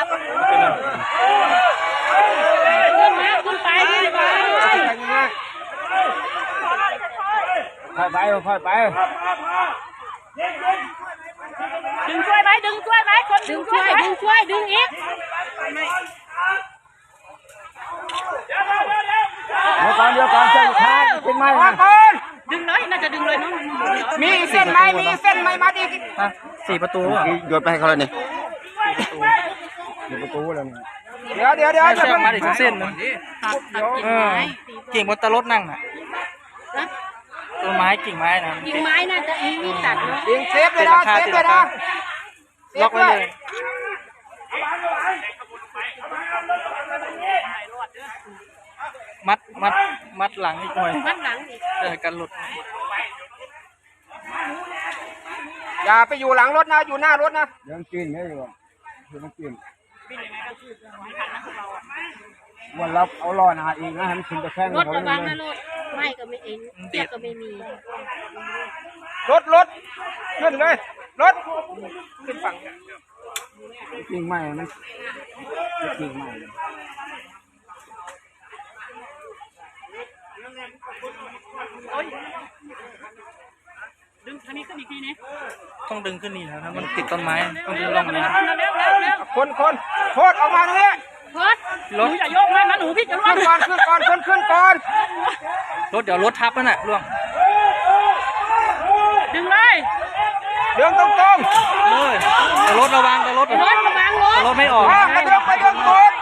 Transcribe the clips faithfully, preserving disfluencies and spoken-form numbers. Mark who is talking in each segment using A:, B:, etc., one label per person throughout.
A: ขึ้นไปขึ้นไปค่อยไปค่อยไปดึงช่วยไหมดึงช่วยไหมคนดึงช่วยดึงช่วยดึงอีกเดี๋ยวก่อนเดี๋ยวก่อนเชือกขาดเป็นไม้มาดึงเลยน่าจะดึงเลยเนาะมีเส้นไหมมีเส้นไหมมาดิสี่ประตู
B: โยนไปให้เขาเลยเนี่ย
A: สี่ประตูแล้วเดี๋ยวเดี๋ยวเดี๋ยวจะ
C: มาอีกเส้นนึงกิ่งบนตะลดนั่งน่ะต้นไม้กิ่งไม้นะ
D: กิ่งไม้น่าจะมีตัดเนาะ
A: ยิงเซฟเลยนะเซฟเลยนะ
C: ล็อกไว้เลยมัดมัดมัดหลังอีกหน่อย
D: มัดหลังอีก
C: เออกันหลุด
A: อย่าไปอยู่หลังรถนะอยู่หน้ารถนะยังกินไม่อยู่ยังกินวันรับเอาล้อหน้าเองนะให้มันขึ้นไปแข้ง
D: รถระวังนะรถไม่ก็ไม่เองเสียก็ไม่มี
A: รถรถขึ้นเลยรถขึ้นฝั่งจริงไหมมันจริงไหม
D: ดึงทางนี้ขึ้นอีกทีนี้
C: ต้องดึงขึ้นนี่นะมันติดต้นไม้ต้องดึงลงนี้
A: คนคนโคตรออกมาตรงนี้
D: รถรถอย่าโยกนะนะหนูพี่จะ
A: ขึ้นก่อนขึ้นก่อนขึ้นขึ้นก่อน
C: รถเดี๋ยวรถทับนั่นแหละล่วง
D: ดึงเลย
A: ดึงตรงตรง
C: เลยแต่รถระวังแต่รถ
D: รถระวังรถ
C: รถไม่ออก
A: ไปดึงไปดึงกด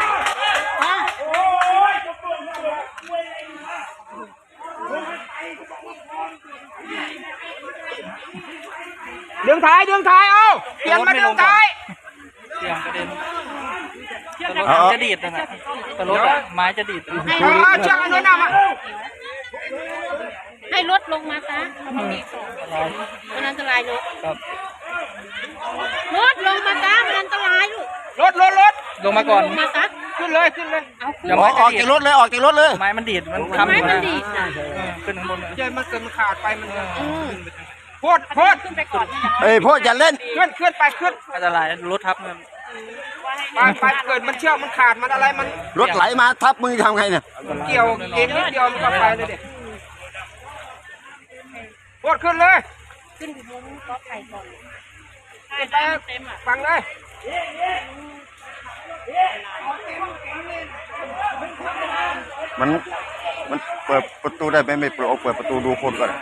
A: ดึงท้ายดึงท้ายเอาเปลี่ยนมาดึงท้าย
C: เสียงกระเด็นแต่รถจะดีดนะแต่รถไม้จะดีด
A: เชือกอันนู้นเอามา
D: ให้รถลงมาซะมันอันตรายรถรถลงมาซะมันอันตรายลูก
A: รถรถรถ
C: ลงมาก่อน
D: ลงมาซะ
A: ขึ้นเลยขึ้นเลย
B: อย่าออกจากรถเลยออกจากรถเลย
C: ไม้มันดีดมันทำ
D: ไม้มันดีด
C: ขึ้นข้างบน
A: เจมันเกิดมันขาดไปมันโพดโพด
D: ขึ้นไปก่อน
B: เอ้ยโพดอย่าเล่น
A: ขึ้นขึ้นไปขึ้น
C: อันตรายรถทับมัน
A: ไปไปเกิดมันเชือกมันขาดมันอะไรมัน
B: รถไหลมาทับมือทำไงเนี่ย
A: เกี่ยวเอ็นนิดเดียวมันก็ไปเลยเด็กโพดขึ้นเลย
D: ขึ้นอยู่บนก็ไข่ก่อน
A: ขึ้นไปฟังเลย
B: มันมันเปิดประตูได้ไหมไม่เปิดเอาเปิดประตูดูคนก่อน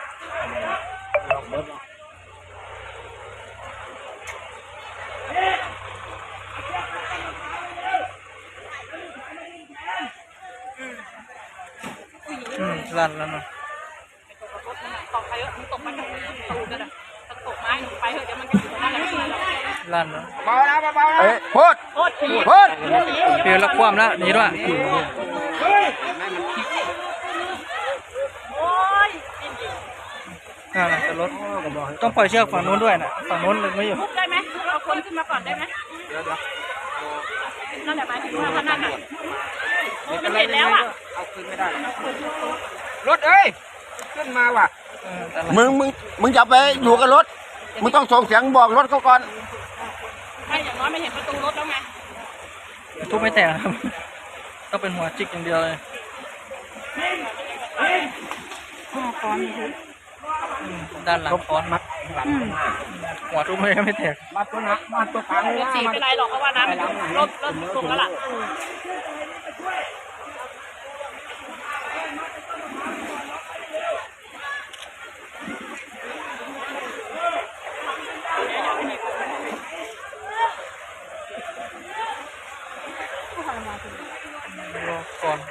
C: ลั่นแล้วเนาะ
D: ตกไปเถอะมันตกไปกับตูดเลยตกไม้ไปเถอะเดี๋ยวมันจะอยู่ตรงนั้นแหละ
C: ลั่นแล้ว
A: เบานะเบานะ
B: เอ้ยโพด
D: โพด
B: โพด
C: เปลี่ยนละความแล้วนี่ด้วยอ่าแต่รถต้องปล่อยเชือกฝั่งนู้นด้วยนะฝั่งนู้นเลยไม่อยู่
D: ได้ไหมเอาคนขึ้นมาก่อนได้ไหมเดี๋ยวเดี๋ยวนั่นแหละหมายถึงว่าท่านนั่นอ่ะมันเห็นแล้วอ่ะ
A: เอาขึ้นไม่ได้รถเอ้ยขึ้นมาว่ะ
B: มึงมึงมึงจะไปอยู่กับรถมึงต้องส่งเสียงบอกรถเขาก่อน
D: ไม่อย่างน้อยไม่เห็นประตูรถแล้วไง
C: ทุบไม่แตกครับต้องเป็นหัวจิกอย่างเดียวเลยด้านหลังค้อนมัดหัวทุบไม่ไม่แตก
A: มัดตัวนักมัดตัวขัง
D: ไม่เป็นไรหรอกเพราะว่าน้ำลดลดลงแล้วล่ะ
C: ก่อน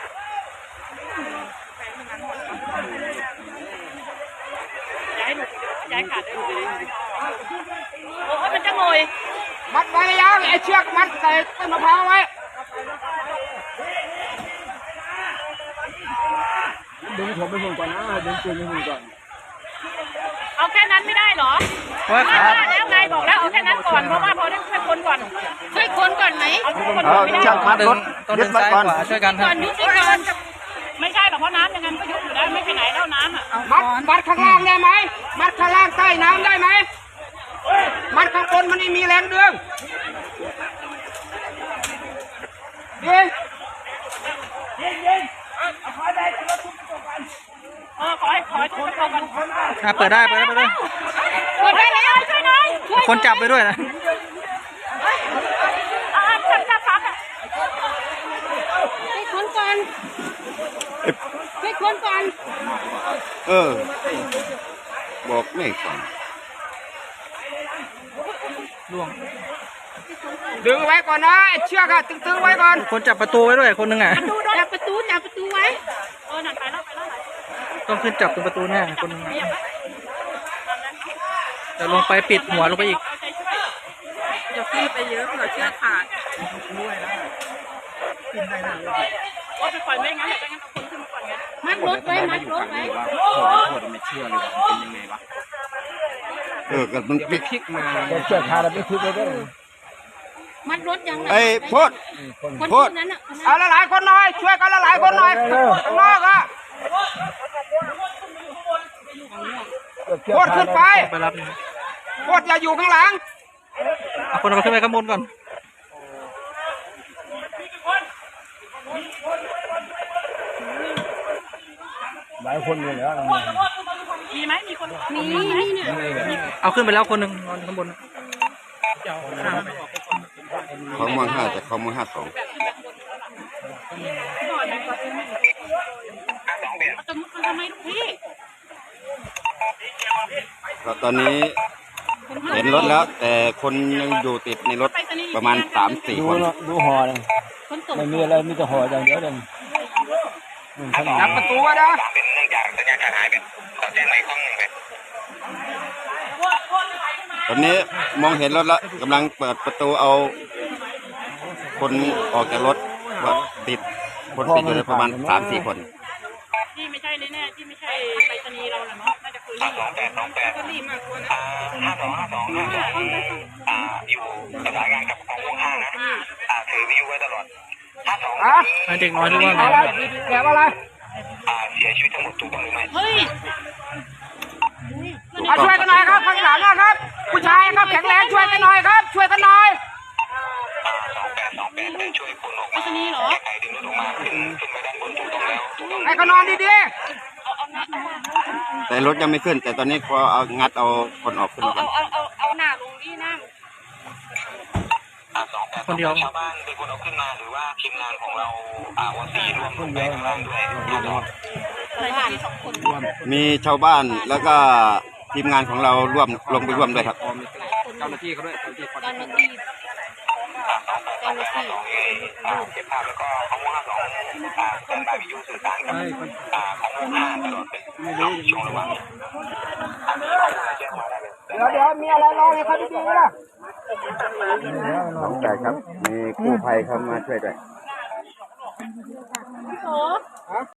D: ย้ายหนูย้ายขาดได้โอ้ยมันจะงอย
A: มัดไว้ยาวไอ้เชือกมัดใส่ต้นมะพร้าวไว้ดึงผมไปหุ่นก่อนนะดึงปืนไปหุ่นก่อน
D: เอาแค่นั้นไม่ได้หรอไม่ได้แล้วไงบอกแล้วเอาแค่นั้นก่อนเพราะว่าพอได้ช่วยคนก่อนช่วยคนก่อนไหมเอาคนก่อนไม่ได้
B: ช่างมัดรถ
C: ยึดมัดก่อนช่วยกัน
D: ก่อนยึดก่อนไม่ใช่หรอกเพราะน้ำยังไงก็ยุบอยู่ได้ไม่ไปไหนแล้วน้ำอ่ะ
A: มัดมัดข้างล่างได้ไหมมัดข้างล่างใต้น้ำได้ไหมมัดข้างบนมันไม่มีแรงดึงยิง
D: เออขอให้ขอให้ทุกคนก่อน
C: อ่ะเปิดได้เปิดได้เปิดได้
D: เปิดได้แล้วช่วยหน่อยช่วย
C: คนจับไปด้วยนะ
D: อ่าจับจับจับอ่ะให้คนก่อนให้คนก่อน
B: เออ บอกไม่ฟัง
C: ล่วง
A: ดึงไว้ก่อนนะไอ้เชือกอะตึงๆไว้ก่อน
C: คนจับประตูไว้ด้วยคนหนึงอ่ะ
D: จับประตูจับประตูไว้เออนั่นไปแล้วไปแล้ว
C: ต้องขึ้นจับตรงประตูหน้าคนหนึงอะแต่ลงไปปิดหัวลงไปอีก
D: อย่าขึ้นไปเยอะเผื่อเชือกขาดว่าไปปล่อยไม่งั้นเดี๋ยวไม่งั้นเอาคนขึ้นมาก่อนไงมัดรถไว้มัดรถไว้
B: เออก็มันพลิก
A: พลิกมาเชือกขาดไม่พลิกเลยด้วย
D: มัดรถยังไง
B: ไอ้โพด
D: คน
B: โพด
D: นั้นอ่ะ
A: เอาละหลายคนหน่อยช่วยกันละหลายคนหน่อยข้างนอกอะโคตรขึ้นไป
C: ไปรับนี่
A: โคตรอย่าอยู่ข้างหลัง
C: เอาคนเอาขึ้นไปข้างบนก่อน
A: หลายคนเลยเหรอ
D: มีไหมมีคนมีนี่เนี่ย
C: เอาขึ้นไปแล้วคนหนึ่งนอนข้างบน
B: เขามองห้าแต่เขามองห้าสอง
D: เอาจะมุดมันทำไมลูกพี่
B: แล้วตอนนี้เห็นรถแล้ว แต่คนยังอยู่ติดในรถประมาณสามสี่
A: ดู
B: คน
A: เนาะดูห่อเลย
D: คนส่ง
A: ไม่มีอะไรมีแต่ห่ออย่างเดียวเลยจับประตูไว้นะ
B: ตอนนี้มองเห็นรถแล้วกำลังเปิดประตูเอา คนออกจากรถว่าติดคนติดอยู่ประมาณสามสี่คน
D: ที่ไม่ใช่แน่ๆที่ไม่ใช่ไปรษณีย์เราแหละเนาะน่าจะคือสองแปดสองแปดก็รีบมากกว่านะห้าสองห้าสองอ่าอยู่ประสานงานกับกองวงห้านะอ่าถือวิทยุไว้ตลอดห้าสอง
A: อะ
C: ให้เด็กน้อยหรือว่าไง
A: อะไรแกะอะไร
D: อ่าเสียชีวิตทั้งหมดถูกต้องหรือไม่เฮ้ย
A: อ่ะช่วยกันหน่อยครับข้างหลังนะครับ ผู้ชายครับแข็งแรงช่วยกันหน่อยครับ ช่วยกันหน่อย
D: สองแปดสองแปดได้ช่วยคนออกมาไปรษณีย์เหรอใครดึงรถออกมาขึ้นขึ้นไปด้านบนถูกต้องแล้วถูกต้อง
A: ให้เขานอนดี
B: แต่รถยังไม่ขึ้น แต่ตอนนี้ก็เอางัดเอาคนออกขึ้น
D: เอา
B: ก่อ
D: เอา
B: น
D: เอาเอาเอาหน้าลงที่นั่ง
C: คนเดียว
D: ชาวบ้านเป็นคนเอาขึ้นมาหรือว่าทีมงานของเราอ่าวันสี่ร่วมลงไปข้างล่างด้วยอะไรบ้านสองคน
B: มีชาวบ้านแล้วก็ทีมงานของเราร่วมลงไปร่วมด้วยครับ
A: ๆเจ้าหน้าที่เขาด้วยเจ้าหน้าที่
D: เจ้าหน้าที่เจ้าหน้าที่
E: เก็บภาพแล้วก็ของวงห้าสองอ่าเปิดบาร์บีคิวสื่อสารกับอ่าของวงห้าตลอดเป็นช่วงระหว่างอันนี้ข้อมูลแจ้งมาได้เลย
A: เดี๋ยวเดี๋ยวมีอะไรรอให้เขาดีๆนะ
B: สองแปดครับ มีกู้ภัยเข้ามาช่วยด้วย
D: พี่โส